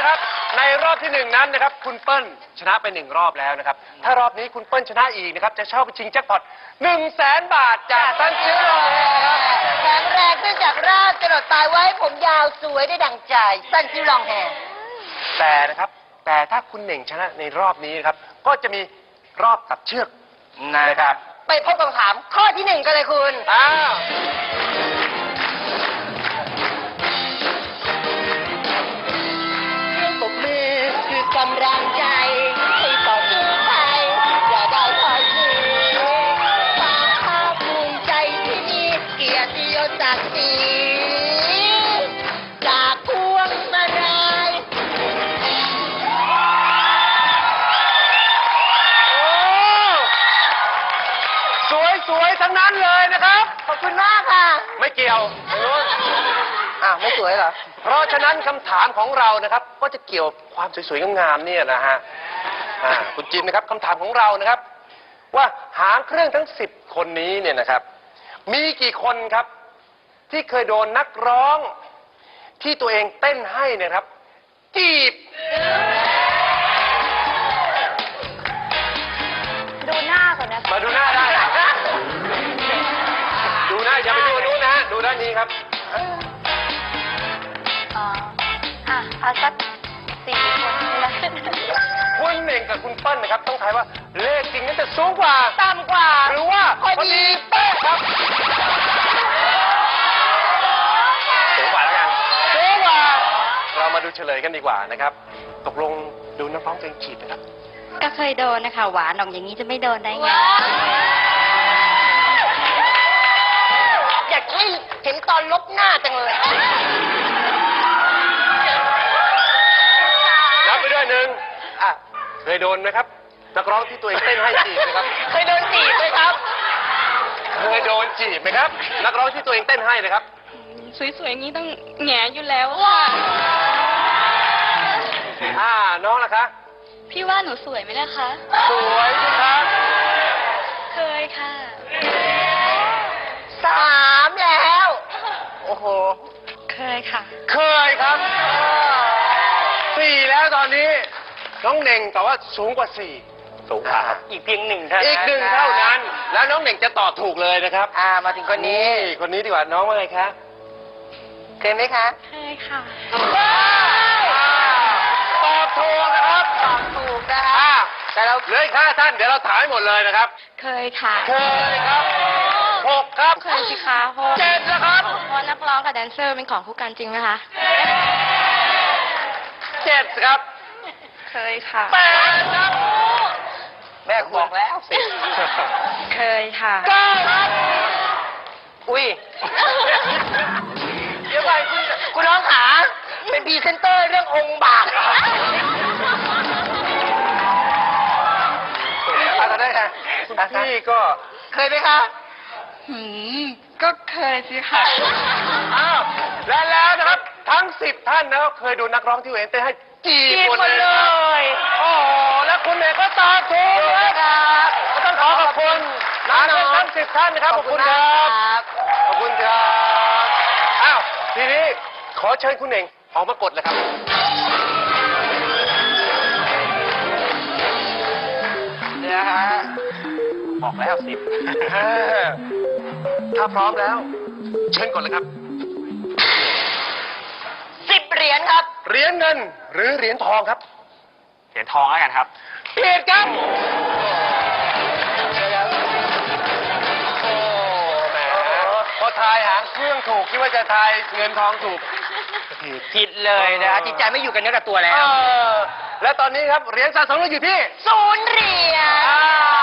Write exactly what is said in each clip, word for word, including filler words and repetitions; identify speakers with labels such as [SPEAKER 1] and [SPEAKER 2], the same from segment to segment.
[SPEAKER 1] นะครับในรอบที่หนึ่งนั้นนะครับคุณเปิ้ลชนะไปหนึ่งรอบแล้วนะครับถ้ารอบนี้คุณเปิ้ลชนะอีกนะครับจะเข้าไปชิงแจ็คพอตหนึ่งแสนบาทจากซันซิลครับ
[SPEAKER 2] แข็งแรงขึ้นจากรากจรดปลายไว้ผมยาวสวยได้ดั่งใจสั้นซิวลองแฮร์
[SPEAKER 1] แต่นะครับแต่ถ้าคุณเหน่งชนะในรอบนี้นะครับก็จะมีรอบตัดเชือกนะครับ
[SPEAKER 2] ไปพบกับคำถามข้อที่หนึ่งกันเลยคุณ
[SPEAKER 1] อ้าว
[SPEAKER 2] เครื่องปรบมือคือกำลังใจให้ต่อสู้ไปอย่าได้ถอยหนีความภาคภูมิใจที่มีเกียรติยศศักดิ์ศรีจากพวงมาลัย
[SPEAKER 1] สวยสวยๆทั้งนั้นเลยนะครับ
[SPEAKER 2] ขอบคุณมากค่ะ
[SPEAKER 1] ไม่เกี่ยวทางโน้น
[SPEAKER 2] อ้าวไม่สวยเหรอ
[SPEAKER 1] เพราะฉะนั้นคำถามของเรานะครับ ก็จะเกี่ยวความสวยๆงามๆเนี่ยนะฮะอ่าคุณจินนะครับคำถามของเรานะครับ ว่าหางเครื่องทั้งสิบคนนี้เนี่ยนะครับ มีกี่คนครับ ที่เคยโดนนักร้อง ที่ตัวเองเต้นให้เนยครับ จีบ
[SPEAKER 3] ดูหน้าก่อนนะ
[SPEAKER 1] มาดูหน้าได้นะดูหน้าอย่าไปดูอันนู้นนะฮะดูด้านนี้ครับ
[SPEAKER 3] อ๋ออ่ะเอาสักสี่คนนี่นะ
[SPEAKER 1] คุณเน่งกับคุณเปิ้ลนะครับ ต้องทายว่าเลขจริงนั้นจะสูงกว่า
[SPEAKER 2] ต่ำกว่า
[SPEAKER 1] หรือว่า
[SPEAKER 2] พอดี
[SPEAKER 1] เป๊ะครับสูงกว่าแล้วกันสูงกว่า เรามาดูเฉลยกันดีกว่านะครับ ตกลงดูน้ำร้องเพลงจีบนะครับ
[SPEAKER 3] ก็เคยโดนนะคะ หวานออกอย่างนี้จะไม่โดนได้ไง
[SPEAKER 2] อยากให้เห็นตอนลบหน้าจังเลย
[SPEAKER 1] นับไปด้วยหนึ่งอ่ะเคยโดนไหมครับ นักร้องที่ตัวเองเต้นให้จีบนะครับ
[SPEAKER 2] เคยโดนจีบไหมครับ
[SPEAKER 1] เคยโดนจีบไหมครับ นักร้องที่ตัวเองเต้นให้นะครับ
[SPEAKER 3] สวยๆอย่างนี้ต้องแหงอยู่แล้วค่ะ
[SPEAKER 1] อ่าน้องล่ะคะ
[SPEAKER 3] พี่ว่าหนูสวยไหมล่ะคะ
[SPEAKER 1] สวยสิครับ
[SPEAKER 3] เคยค่ะ
[SPEAKER 2] สามแล้ว
[SPEAKER 1] โอ้โห
[SPEAKER 3] เคยค่ะ
[SPEAKER 1] เคยครับสี่แล้วตอนนี้ น้องเน่งแต่ว่าสูงกว่าสี่สูงกว่าครับ
[SPEAKER 2] อีกเพียงหนึ่งเท่านั้น
[SPEAKER 1] อีกหนึ่งเท่านั้น แล้วน้องเน่งจะตอบถูกเลยนะครับ
[SPEAKER 2] อ่ามาถึงคนนี้
[SPEAKER 1] คนนี้ดีกว่าน้องว่าไงคะ
[SPEAKER 2] เคยไหมคะ
[SPEAKER 3] เคยค่ะ
[SPEAKER 1] ตอบถูกนะครับ
[SPEAKER 2] ตอบถูกนะคะ
[SPEAKER 1] อ่า
[SPEAKER 2] แต่เรา
[SPEAKER 1] เหลืออีกห้าท่านเดี๋ยวเราถามให้หมดเลยนะครับ
[SPEAKER 3] เคยค่ะ
[SPEAKER 1] เคยครับหกครับ
[SPEAKER 3] เคยสิคะเพราะ
[SPEAKER 1] เจ็ดนะครับ
[SPEAKER 3] เพราะนักร้องกับแดนเซอร์เป็นของคู่กันจริงไหมคะ
[SPEAKER 1] เจ็ดครับ
[SPEAKER 3] เคยค่ะ
[SPEAKER 1] แปดครับ
[SPEAKER 2] แม่บอกแล้ว
[SPEAKER 1] สิบ
[SPEAKER 3] เคยค่ะ
[SPEAKER 1] เก้าครับ
[SPEAKER 2] อุ้ย เดี๋ยวไปคุณคุณน้องขาเป็นพรีเซนเตอร์เรื่ององค์บาก
[SPEAKER 1] อะไรได้ค่ะคุณพี่ก็
[SPEAKER 2] เคยไหมคะ
[SPEAKER 3] หืม ก็เคยสิค่ะ
[SPEAKER 1] อ้าวและแล้วนะครับ ทั้งสิบท่านนะครับเคยดูนักร้องที่เห็นเต้นให้จีบ
[SPEAKER 2] จีบ
[SPEAKER 1] หมด
[SPEAKER 2] หมด
[SPEAKER 1] เล
[SPEAKER 2] เลย ย
[SPEAKER 1] โอ้โหแล้วคุณเอกก็ตอบถูกนะครับก็ต้องขอขอบคุณน้องๆทั้งสิบท่านนะครับขอบคุณครับ ขอบคุณครับ อ้าว ทีนี้ขอเชิญคุณเองออกมากดเลยครับ
[SPEAKER 2] เนี่ยฮะบอกแล้วสิบ
[SPEAKER 1] ถ้าพร้อมแล้ว เชิญกดเลยครับ
[SPEAKER 2] สิบเหรียญครับ
[SPEAKER 1] เหรียญเงินหรือเหรียญทองครับ
[SPEAKER 4] เหรียญทองแล้วกันครับ
[SPEAKER 1] ผิดครับ โอ้แหมพอทายหางเครื่องถูกคิดว่าจะทายเงินทองถูกผิด
[SPEAKER 2] ผิดเลยนะฮะจิตใจไม่อยู่กันเนื้อกับตัวแล้
[SPEAKER 1] เอ
[SPEAKER 2] ว
[SPEAKER 1] อและตอนนี้ครับเหรียญสะสมเราอยู่ที่
[SPEAKER 2] ศูนย์เหรียญ
[SPEAKER 1] อ่า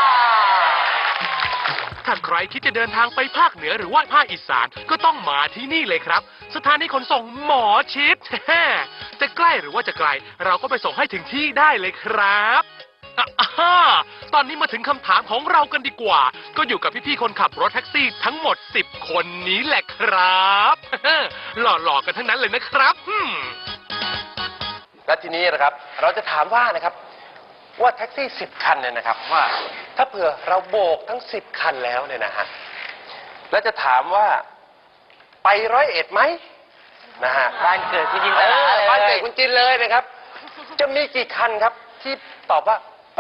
[SPEAKER 5] ถ้าใครคิดจะเดินทางไปภาคเหนือหรือว่าภาคอีสานก็ต้องมาที่นี่เลยครับ สถานีขนส่งหมอชิด จะใกล้หรือว่าจะไกล เราก็ไปส่งให้ถึงที่ได้เลยครับอ่ะอ่าตอนนี้มาถึงคำถามของเรากันดีกว่า ก็อยู่กับพี่ๆคนขับรถแท็กซี่ทั้งหมดสิบคนนี้แหละครับ หล่อๆกันทั้งนั้นเลยนะครับอืม
[SPEAKER 1] และทีนี้นะครับ เราจะถามว่านะครับ ว่าแท็กซี่สิบคันเนี่ยนะครับว่า ถ้าเผื่อเราโบกทั้งสิบคันแล้วเนี่ยนะฮะแล้วจะถามว่าไปร้อยเอ็ดไหมนะฮะ
[SPEAKER 2] บ้านเกิดที่ดิน
[SPEAKER 1] เอ
[SPEAKER 2] ตลา
[SPEAKER 1] อ
[SPEAKER 2] เลย
[SPEAKER 1] บ้านเกิดคุณจินเลยนะครับจะมีกี่คันครับ ที่ตอบว่าไป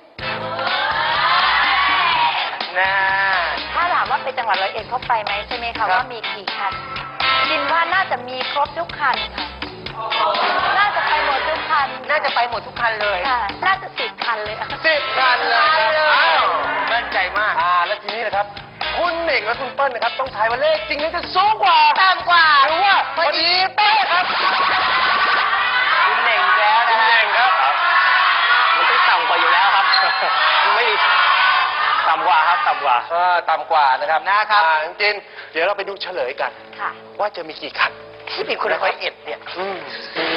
[SPEAKER 1] นะ
[SPEAKER 3] ถ้าถามว่าไปจังหวัดร้อยเอ็ดเขาไปไหมใช่ไหม
[SPEAKER 1] ครั
[SPEAKER 3] คะ
[SPEAKER 1] บ
[SPEAKER 3] ว่ามีกี่คันคิดว่าน่าจะมีครบทุกคันค่ะ น่าจะไปหมดทุกคัน
[SPEAKER 2] น่าจะไปหมดทุกคันเลย
[SPEAKER 3] ค่ะ น่าจะสิบคันเลยอะ
[SPEAKER 1] สิบคันเลยครับ
[SPEAKER 2] เลย
[SPEAKER 1] อ้าว
[SPEAKER 2] มั่นใจมาก
[SPEAKER 1] อ่าแล้วทีนี้นะครับ คุณเน่งและคุณเปิ้ลนะครับ ต้องทายว่าเลขจริงนั้นจะสูงกว่า
[SPEAKER 2] ต่ำกว่า
[SPEAKER 1] หรือว่าพอดีเป๊ะครับ
[SPEAKER 2] คุณเน่งอีกแล้ว
[SPEAKER 1] คุ
[SPEAKER 2] นะ
[SPEAKER 1] ณ
[SPEAKER 2] ฮะ
[SPEAKER 1] เน่งครับ
[SPEAKER 4] มันต้องต่ำกว่าอยู่แล้วครับ ไม่ต่ำกว่าครับต่ำกว่า
[SPEAKER 1] เออต่ำกว่านะครับ
[SPEAKER 2] นะครับ
[SPEAKER 1] อ่าจริงๆเดี๋ยวเราไปดูเฉลยกัน
[SPEAKER 3] ค่ะ
[SPEAKER 1] ว่าจะมีกี่คัน
[SPEAKER 2] ที่เป็นคนร้อยเอ็ดเนี่ย
[SPEAKER 1] อืม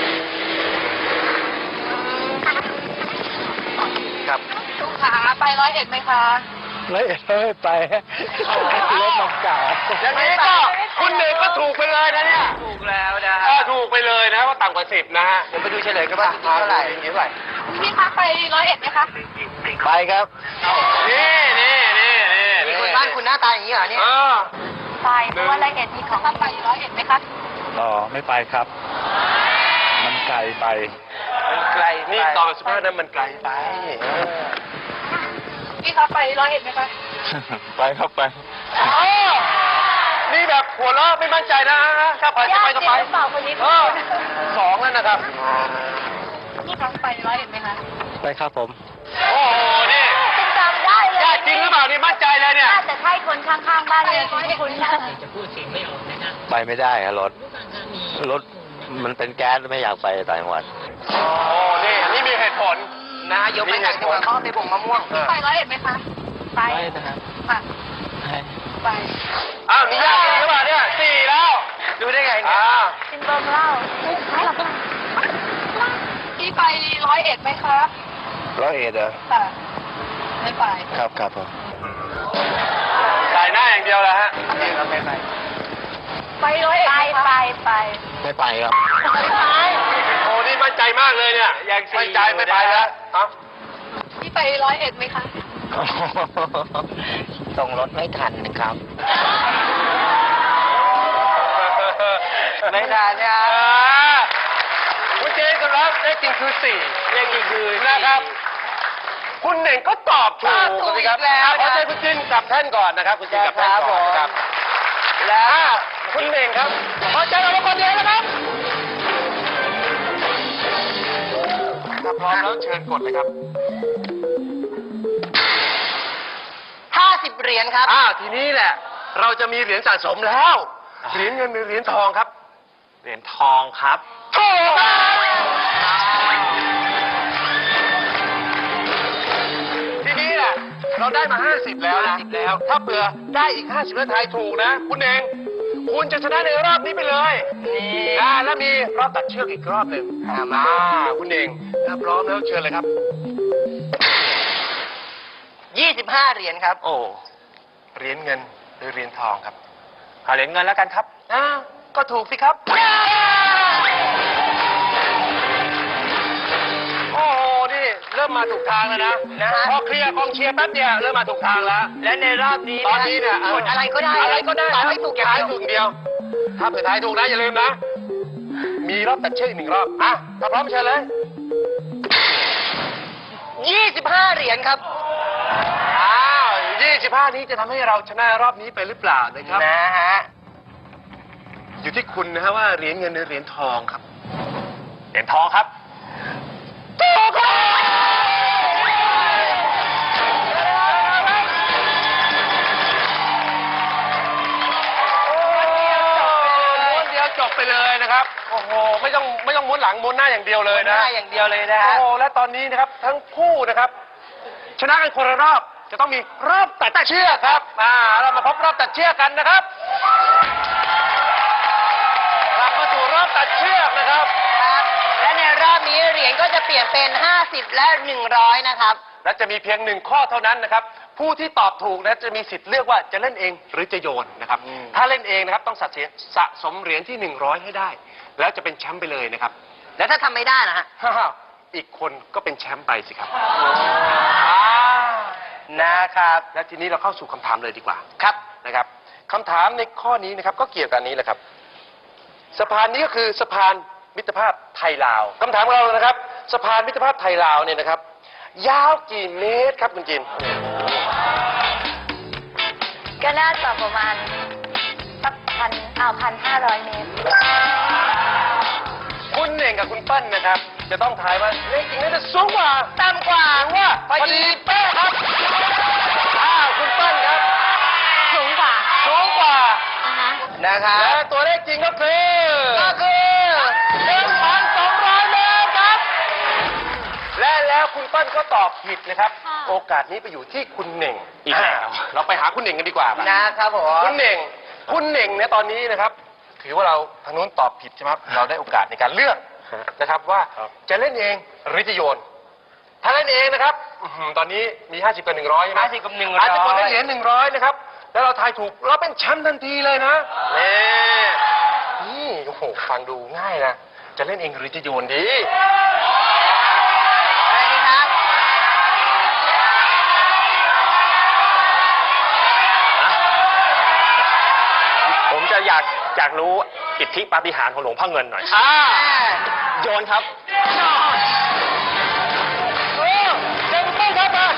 [SPEAKER 1] ครับ
[SPEAKER 3] ลูกค้าไปร้อยเอ็ดไหมคะ
[SPEAKER 6] แล้วเอ็ดไม่ไปรถมันเก่า
[SPEAKER 1] อย่างนี้ก็คุณเน่งก็ถูกไปเลยนะเนี่ย
[SPEAKER 2] ถูกแล้วนะ
[SPEAKER 1] เอ
[SPEAKER 2] ฮะ
[SPEAKER 1] อถูกไปเลยนะว่าต่ำกว่าสิบนะฮะ
[SPEAKER 2] เดี๋ยวไปดูเฉลยกันว่าจริงเท่าไหร่
[SPEAKER 1] จริงเท่าไหร่
[SPEAKER 3] พี่คะไปร้อยเอ็ดไหมคะ
[SPEAKER 6] ไปครับ
[SPEAKER 1] นี่นี่นี่นี่
[SPEAKER 2] มีคนบ้านคุณหน้าตาอย่างนี้เหรอเนี่ย
[SPEAKER 1] เออ
[SPEAKER 3] ไปเพราะว่าร้อยเอ็ดมีของไปร้อยเอ็ดไหมคะ
[SPEAKER 6] ต่อไม่ไปครับ มันไกลไป
[SPEAKER 1] มันไกลนี่ตอนสุภาพนั้นมันไกลไปเออ
[SPEAKER 3] พี่คะไปร้อยเอ็ดไหมคะ
[SPEAKER 6] ไปครับไป
[SPEAKER 1] เออนี่แบบหัวเราะไม่มั่นใจนะถ้าไปจะไปก็ไป
[SPEAKER 3] ญาติจริงหรือเปล่าคนนี้
[SPEAKER 1] เออสองแล้วนะครับ
[SPEAKER 3] พี่คะไปร้อยเอ็ดไหมคะ
[SPEAKER 6] ไปครับผม
[SPEAKER 1] โอ้โหนี่
[SPEAKER 3] จำจำได้เลย
[SPEAKER 1] ญาติจริงหรือเปล่านี่มั่นใจเลยเนี่ย
[SPEAKER 3] น่าจะใช่คนข้างๆบ้านเลยที่คุณ
[SPEAKER 6] ไปไม่ได้ครับรถ รถมันเป็นแก๊สไม่อยากไปต่างจังหวัด
[SPEAKER 1] โอ้นี่นี่มีเหตุผล
[SPEAKER 2] นะยกไปต่างจังหวัดเขาเอาไปบ่งมะม่วง
[SPEAKER 1] เออ
[SPEAKER 3] ไปร้อยเอ็ดไหมคะ ไป
[SPEAKER 6] ไปนะครับ
[SPEAKER 3] ค่ะไป
[SPEAKER 1] อ้าวมีญาติจริงหรือเปล่าเนี่ยสี่แล้ว
[SPEAKER 2] ดูได้ไงเนี่ย
[SPEAKER 1] อ่า
[SPEAKER 3] กินเบิ่มเหล้าไม่หรอกพี่ไปร้อยเอ็ดไหมคะ
[SPEAKER 6] ร้อยเอ็ดเหรอ
[SPEAKER 3] ค่ะไม่ไป
[SPEAKER 6] ครับครับผม
[SPEAKER 1] สายหน้าอย่างเดียวแหละฮะ
[SPEAKER 2] ไม่ไป
[SPEAKER 3] ไปร้อยเอ็ดไปไปไป
[SPEAKER 6] ไม่ไปครับ
[SPEAKER 1] โอ้นี่มั่นใจมากเลยเนี่ยยังมั่นใจไม่ไปแล้วเอ้า
[SPEAKER 3] พี่ไปร้อยเอ็ดไหมคะ
[SPEAKER 2] ส่งรถไม่ทันนะครับ ไม่ทันเนี่ย
[SPEAKER 1] อ่าคุณเจนครับเลขจริงคือสี่เลขจริงคือนะครับ คุณเน่งก็ตอบถูก
[SPEAKER 2] ถูก
[SPEAKER 1] สิครับ
[SPEAKER 2] อีกแล้ว
[SPEAKER 1] อ่ะขอเชิญคุณจินกลับแท่นก่อนนะครับ คุณจินกลับแท่นก่อนนะครับ แล้วคุณเน่งครับขอเชิญเรามาคนเดียวนะครับถ้าพร้อมแล้วเชิญกดเลยครับ
[SPEAKER 2] ห้าสิบเหรียญครับ
[SPEAKER 1] อ้าวทีนี้แหละ เราจะมีเหรียญสะสมแล้ว เหรียญเงินหรือเหรียญทองครับ
[SPEAKER 4] เหรียญทองครับ
[SPEAKER 1] ถูกครับทีนี้แหละเราได้มาห้าสิบแล้วนะ
[SPEAKER 2] ห้าสิบแล้ว
[SPEAKER 1] ถ้าเผื่อได้อีกห้าสิบแล้วทายถูกนะ คุณเองคุณจะชนะในรอบนี้ไปเลย
[SPEAKER 2] นี่
[SPEAKER 1] นะแล้วมีรอบตัดเชือกอีกรอบหนึ่ง
[SPEAKER 2] อ่ามา
[SPEAKER 1] อ่าคุณเองถ้าพร้อมแล้วเชิญเลยครับ
[SPEAKER 2] ยี่สิบห้าเหรียญครับ
[SPEAKER 4] โอ้
[SPEAKER 1] เหรียญเงินหรือเหรียญทองครับ
[SPEAKER 4] เอาเหรียญเงินแล้วกันครับ
[SPEAKER 1] อ้าวก็ถูกสิครับ โอ้โห นี่เริ่มมาถูกทางแล้วนะ
[SPEAKER 2] นะฮะ
[SPEAKER 1] พอเคลียร์กองเชียร์แป๊บเดียวเริ่มมาถูกทางแล้ว
[SPEAKER 2] และในรอบนี้
[SPEAKER 1] ตอนนี้เนี่ย
[SPEAKER 2] กดอะไรก็ได้
[SPEAKER 1] อะไรก็ได้
[SPEAKER 2] ตอบให้ถูกอย่าง
[SPEAKER 1] ทาย
[SPEAKER 2] เดียว
[SPEAKER 1] ถูกอย่างเดียว ถ้าเผื่อทายถูกนะอย่าลืมนะ มีรอบตัดเชือกอีกหนึ่งรอบ อ่ะ ถ้าพร้อมเชิญเลย
[SPEAKER 2] ยี่สิบห้าเหรียญครับ
[SPEAKER 1] อ้าวยี่สิบห้านี้จะทำให้เราชนะรอบนี้ไปหรือเปล่านะครับ
[SPEAKER 2] นะฮะ
[SPEAKER 1] อยู่ที่คุณนะฮะว่าเหรียญเงินหรือเหรียญทองครับ
[SPEAKER 4] เหรียญทองครับ
[SPEAKER 1] ถูกครับม้วนเดียวจบไปเลยนะครับ โอ้โห ไม่ต้องไม่ต้องม้วนหลังม้วนหน้าอย่างเดียวเลยนะ
[SPEAKER 2] หน้าอย่างเดียวเลยนะฮะ
[SPEAKER 1] โอ้โห และตอนนี้นะครับทั้งคู่นะครับ ชนะกันคนละรอบ จะต้องมีรอบตัดเชือกครับ อ่า เรามาพบรอบตัดเชือกกันนะครับกลับมาสู่รอบตัดเชือกนะครับ
[SPEAKER 2] ครับ และในรอบนี้เหรียญก็จะเปลี่ยนเป็นห้าสิบและหนึ่งร้อยนะครับ
[SPEAKER 1] และจะมีเพียงหนึ่งข้อเท่านั้นนะครับ ผู้ที่ตอบถูกนะจะมีสิทธิ์เลือกว่าจะเล่นเองหรือจะโยนนะครับ ถ้าเล่นเองนะครับต้องสะเสียสะสมเหรียญที่หนึ่งร้อยให้ได้ แล้วจะเป็นแชมป์ไปเลยนะครับ
[SPEAKER 2] แล้วถ้าทำไม่ได้นะฮะ
[SPEAKER 1] ฮ่าๆอีกคนก็เป็นแชมป์ไปสิครับ
[SPEAKER 2] นะครับ
[SPEAKER 1] และทีนี้เราเข้าสู่คำถามเลยดีกว่า
[SPEAKER 2] ครับ
[SPEAKER 1] นะครับคำถามในข้อนี้นะครับก็เกี่ยวกับอันนี้แหละครับ สะพานนี้ก็คือสะพานมิตรภาพไทยลาวคำถามของเรานะครับสะพานมิตรภาพไทยลาวเนี่ยนะครับ ยาวกี่เมตรครับคุณจิน
[SPEAKER 3] ก็น่าจะประมาณสักพันเอาพันห้าร้อยเมตร
[SPEAKER 1] คุณเน่งกับคุณเปิ้ลนะครับ จะต้องทายว่าเลขจริงน่าจะสูงกว่าต่ำกว่าหรือว่าพอดีเป๊ะครับอ้าวคุณเปิ้ลครับ
[SPEAKER 3] สูงกว่า
[SPEAKER 1] สูงกว่า
[SPEAKER 3] อ่าฮะ
[SPEAKER 1] นะครับและตัวเลขจริงก็คือก็คือหนึ่งพันสองร้อยเมตรครับ และแล้วคุณเปิ้ลก็ตอบผิดนะครับ
[SPEAKER 3] ค่ะ
[SPEAKER 1] โอกาสนี้ไปอยู่ที่คุณเน่ง
[SPEAKER 4] อีกแล้ว
[SPEAKER 1] เราไปหาคุณเน่งกันดีกว่าปะ
[SPEAKER 2] นะครับผม
[SPEAKER 1] คุณเน่ง คุณเน่งเนี่ยตอนนี้นะครับ ถือว่าเราทางนู้นตอบผิดใช่ไหมครับ เราได้โอกาสในการเลือกนะครับว่า
[SPEAKER 4] ครับ
[SPEAKER 1] จะเล่นเองหรือจะโยน ถ้าเล่นเองนะครับอื้อหือตอนนี้มี ห้าสิบกับหนึ่งร้อยใช่ไหม
[SPEAKER 4] ห้าสิบกับหนึ่งร้อย
[SPEAKER 1] อาจจะกดได้เหรียญหนึ่งร้อยนะครับ แล้วเราทายถูกเราเป็นแชมป์ทันทีเลยนะนี่นี่โอ้โหฟังดูง่ายนะ จะเล่นเองหรือจะโยนดี
[SPEAKER 2] อะไรดีครับ
[SPEAKER 4] ผมจะอยากอยากรู้อิทธิปาฏิหาริย์ของหลวงพ่อเงินหน่อย
[SPEAKER 1] อ่า
[SPEAKER 4] โยนครับ
[SPEAKER 1] เออเก่งมากครับมา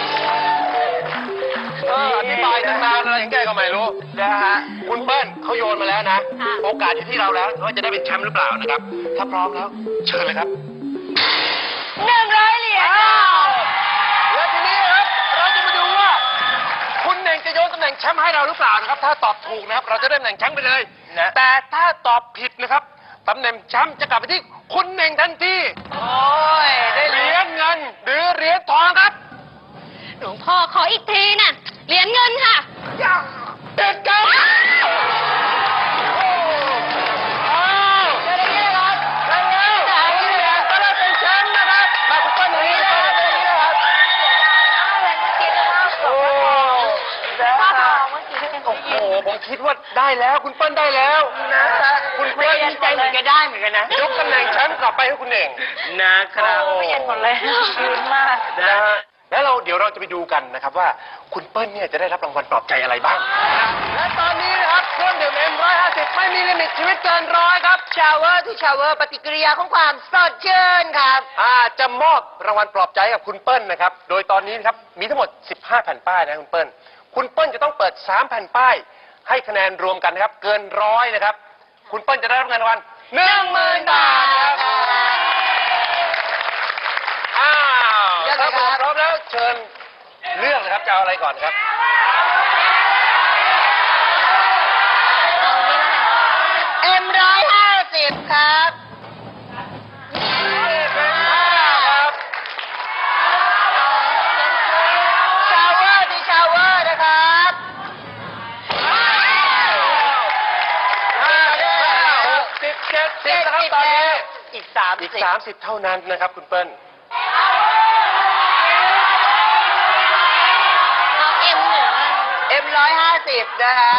[SPEAKER 1] เอออธิบายตั้งนานอะไรอย่างแกก็ไม่รู้นะฮะคุณเปิ้ลเขาโยนมาแล้วนะ
[SPEAKER 3] ค่ะ
[SPEAKER 1] โอกาสอยู่ที่เราแล้วว่าจะได้เป็นแชมป์หรือเปล่านะครับ ถ้าพร้อมแล้ว เชิญเลยครับ
[SPEAKER 3] หนึ่งร้อยเหรียญ
[SPEAKER 1] อ้าวแล้วทีนี้ครับ เราจะมาดูว่า คุณเน่งจะโยนตำแหน่งแชมป์ให้เราหรือเปล่านะครับ ถ้าตอบถูกนะครับ เราจะได้ตำแหน่งแชมป์ไปเลยนะแต่ถ้าตอบผิดนะครับตำแหน่งแชมป์จะกลับไปที่คุณเน่งทันที
[SPEAKER 2] โอ้ย ได้
[SPEAKER 1] เห
[SPEAKER 2] เหรี
[SPEAKER 1] รี
[SPEAKER 2] ย
[SPEAKER 1] ย
[SPEAKER 2] ญ
[SPEAKER 1] ญเงินหรือเหรียญทองครับ
[SPEAKER 3] หลวงพ่อขออีกทีน่ะ เหรียญเงินค่ะ
[SPEAKER 1] เด็ดกันอ้าวได้แล้วครับได้แล้วคุณเน่งก็ได้เป็นแชมป์นะครับมาคุณเปิ้ลอย่างนี้นะครับอย่างนี้นะครับ โอ้
[SPEAKER 3] พ่อทองเมื่อกี้ก็ยัง
[SPEAKER 1] โอ้โห ผมคิดว่าได้แล้วคุณเปิ้ลได้แล้วนะคุณเปิ้ล
[SPEAKER 2] ดีใจเหมือนกันได้เหมือนกันนะ
[SPEAKER 1] ยกตำแหน่งแชมป์กลับไปให้คุณเน่ง
[SPEAKER 4] นะครับ
[SPEAKER 3] เปลี่ยนหมดเลยชื้นมาก
[SPEAKER 1] นะฮะแล้วเราเดี๋ยวเราจะไปดูกันนะครับว่าคุณเปิ้ลเนี่ยจะได้รับรางวัลปลอบใจอะไรบ้าง และตอนนี้นะครับเครื่องดื่มเอ็มร้อยห้าสิบไม่มีลิมิตชีวิตเกินร้อยครับ
[SPEAKER 2] ชาวเวอร์ทูชาวเวอร์ปฏิกิริยาของความสดชื่นครับ
[SPEAKER 1] อ่าจะมอบรางวัลปลอบใจให้กับคุณเปิ้ลนะครับ โดยตอนนี้นะครับมีทั้งหมด สิบห้า แผ่นป้ายนะคุณเปิ้ล คุณเปิ้ลจะต้องเปิด สาม แผ่นป้าย ให้คะแนนรวมกันนะครับ เกินร้อยนะครับ คุณเปิ้ลจะได้รับเงินรางวัลหนึ่งหมื่นบาทครับอ้าว
[SPEAKER 2] เลือก
[SPEAKER 1] ค
[SPEAKER 2] เล
[SPEAKER 1] รั
[SPEAKER 2] ย
[SPEAKER 1] บ
[SPEAKER 2] ครับ
[SPEAKER 1] ผมพร้อมแล้วเชิญเลือกเลยครับจะเอาอะไรก่อนครับ
[SPEAKER 3] เอานี่แล้วกัน
[SPEAKER 2] เอ็มร้อยห้าสิบครับ
[SPEAKER 1] เป็นห้าครับ
[SPEAKER 2] ชาวเวอร์ทูชาวเวอร์นะครับ
[SPEAKER 1] ห้าห้าหกสิบเจ็ดสิบนะครับตอนนี้
[SPEAKER 2] อีกสาม
[SPEAKER 1] อีก
[SPEAKER 2] สิบ
[SPEAKER 1] สามสิบเท่านั้นนะครับคุณเปิ้ล
[SPEAKER 3] เอาเอ็มหนึ่งแล้วกัน
[SPEAKER 2] เอ็มร้อยห้าสิบนะฮะ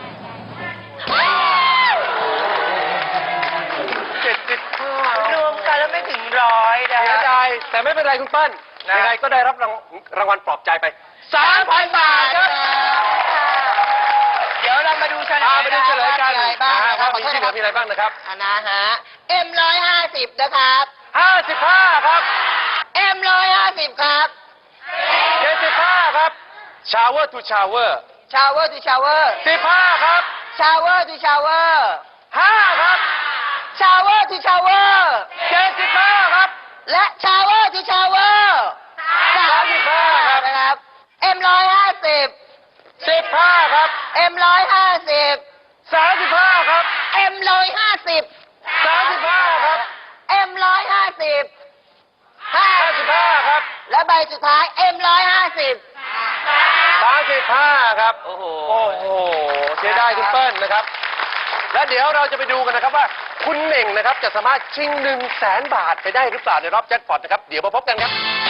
[SPEAKER 1] เจ็ดสิบห้าร
[SPEAKER 2] วมกันแล้วไม่ถึงร้อยนะ
[SPEAKER 1] เสีย
[SPEAKER 2] ฮะ
[SPEAKER 1] ดายแต่ไม่เป็นไรคุณเปิ้ล
[SPEAKER 2] นะ
[SPEAKER 1] ยังไงก็ได้รับรางรางวัลปลอบใจไปสามพันบาทครับ
[SPEAKER 2] เดี๋ยวเรามาดูเฉลย
[SPEAKER 1] พาไปดูเฉลยกัน
[SPEAKER 2] มีอะไรบ้าง
[SPEAKER 1] นะ
[SPEAKER 2] นะค
[SPEAKER 1] ค
[SPEAKER 2] รั
[SPEAKER 1] รั
[SPEAKER 2] บบ
[SPEAKER 1] มีที่เหลือมีอะไรบ้างนะครับ
[SPEAKER 2] อ่ะนะฮะ เอ็มร้อยห้าสิบนะครับ
[SPEAKER 1] ห้าสิบห้าครับ
[SPEAKER 2] เอ็มร้อยห้าสิบครับ
[SPEAKER 1] เจ็ดสิบห้าครับ shower to shower
[SPEAKER 2] ชาวเวอร์ทูชาวเวอร์
[SPEAKER 1] สิบห้าครับ
[SPEAKER 2] ชาวเวอร์ทูชาวเวอร์
[SPEAKER 1] ห้าครับ
[SPEAKER 2] ชาวเวอร์ทูชาวเวอร์
[SPEAKER 1] เจ็ดสิบห้าครับ
[SPEAKER 2] และชาวเวอร์ทูชาวเวอร์สามสิบห้านะครับ เอ็มร้อยห้าสิบ
[SPEAKER 1] สิบห้าครับ
[SPEAKER 2] เอ็มร้อยห้าสิบ
[SPEAKER 1] สามสิบห้าครับ
[SPEAKER 2] เอ็มร้อยห้าสิบ
[SPEAKER 1] สามสิบห้าครับ
[SPEAKER 2] เอ็มร้อยห้าสิบห้า
[SPEAKER 1] ห้าสิบห้าครับ
[SPEAKER 2] และใบสุดท้ายเอ็มร้อยห้าสิบ
[SPEAKER 1] สามสิบห้าครับ โอ้โห โอ้โห เสียดายคุณเปิ้ลนะครับ และเดี๋ยวเราจะไปดูกันนะครับว่า คุณเหน่งนะครับจะสามารถชิงหนึ่งแสนบาทไปได้หรือเปล่าในรอบแจ็คพอตนะครับ เดี๋ยวมาพบกันครับ